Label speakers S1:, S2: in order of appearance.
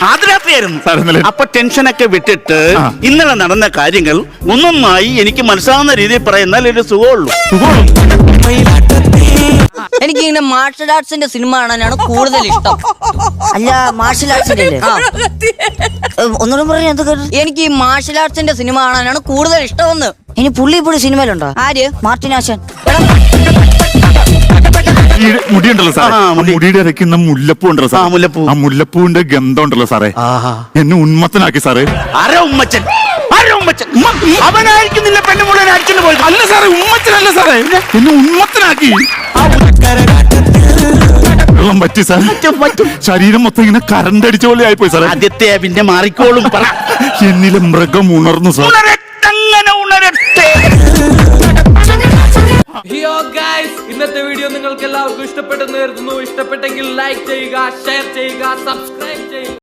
S1: ആദ്യരാത്രിയായിരുന്നു. അപ്പൊ ടെൻഷനൊക്കെ വിട്ടിട്ട് ഇന്നലെ നടന്ന കാര്യങ്ങൾ ഒന്നൊന്നായി എനിക്ക് മനസ്സിലാവുന്ന രീതിയിൽ പറയുന്നാൽ ഒരു സുഖമുള്ളൂ.
S2: എനിക്ക് ഇങ്ങനെ മാർഷൽ ആർട്സിന്റെ സിനിമ കാണാനാണ് കൂടുതൽ ഇഷ്ടം.
S3: അല്ല മാർഷൽ ആർട്സിന്റെ ഒന്നുകൂടെ പറഞ്ഞു എന്തൊക്കെ?
S2: എനിക്ക് ഈ മാർഷൽ ആർട്സിന്റെ സിനിമ കാണാനാണ് കൂടുതൽ ഇഷ്ടമെന്ന്.
S3: ഇനി പുള്ളി ഇപ്പോഴും സിനിമയിലുണ്ടോ?
S2: ആര്?
S3: മാർട്ടിൻ ആശാൻ.
S4: മുടിയുണ്ടല്ലോ സാറേ, മുടിയുടെ ഇടയ്ക്കുന്ന മുല്ലപ്പൂ ഉണ്ടല്ലോ സാർ, ആ മുല്ലപ്പൂവിന്റെ ഗന്ധം ഉണ്ടല്ലോ സാറേ, എന്നെ ഉന്മത്തനാക്കി സാറേ.
S1: ആരാ ഉമ്മച്ചൻ? അവനായിരിക്കും നിന്നെ പെണ്ണുമുള്ള അടിച്ചു പോയത്.
S4: അല്ല സാറേ, ഉമ്മച്ചനല്ല സാറേ, എന്നെ ഉന്മത്തനാക്കി. വെള്ളം പറ്റി സാർ, ശരീരം മൊത്തം ഇങ്ങനെ കറണ്ട് അടിച്ച പോലെ ആയിപ്പോയി സാറേ.
S1: ആദ്യത്തെ പിന്നെ മാറിക്കോളും.
S4: എന്നിലെ മൃഗം ഉണർന്നു സാർ.
S5: ഇന്നത്തെ വീഡിയോ നിങ്ങൾക്ക് എല്ലാവർക്കും ഇഷ്ടപ്പെട്ടെന്ന് കരുതുന്നു. ഇഷ്ടപ്പെട്ടെങ്കിൽ ലൈക്ക് ചെയ്യുക, ഷെയർ ചെയ്യുക, സബ്സ്ക്രൈബ്